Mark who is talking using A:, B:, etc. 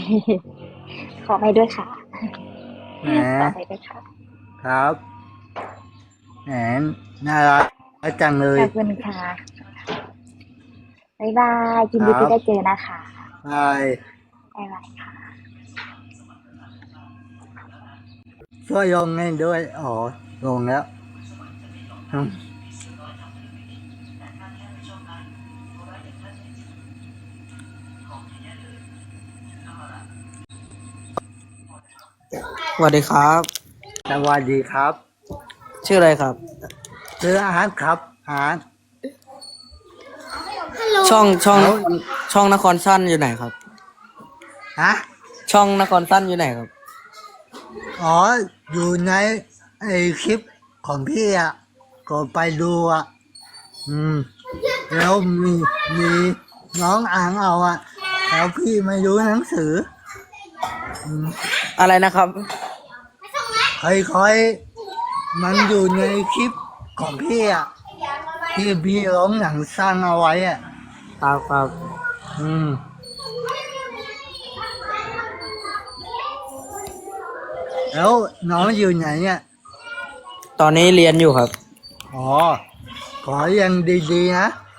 A: ขอไปด้วยค่ะ
B: แหม
A: ขอไปด้วยค่ะ
B: ครับแหมน่ารักจังเลย
A: ขอบคุณค่ะบ๊ายบายยินดีที่
B: ครับ
A: ได้เจอนะคะ
B: บาย
A: บ๊ายบายค่ะ
B: ช่วยลงให้ด้วยอ๋อลงแล้วอืม
C: สวัสดีครับ
B: สวัสดีครับ
C: ชื่ออะไรครับ
B: ซื้ออาหารครับอาหาร
C: ช่องช่อง
B: แล้ว
C: ช่องนครสั้นอยู่ไหนครับ
B: ฮะ
C: ช่องนครสั้นอยู่ไหนครับ
B: อ๋ออยู่ในไอคลิปของพี่อ่ะก็ไปดูอ่ะอืมแล้วมีน้องอ่างเอาอ่ะแล้วพี่ไม่รู้หนังสืออืม
C: อะไรนะครับ
B: ค่อยๆมันอยู่ในคลิปของพี่อ่ะที่พี่ร้องหนังสั้นเอาไว้อ่ะ
C: ครับครับ
B: อืมแล้วน้องอยู่ไหนเนี่ย
C: ตอนนี้เรียนอยู่ครับ
B: อ๋อขออย่างดีๆนะ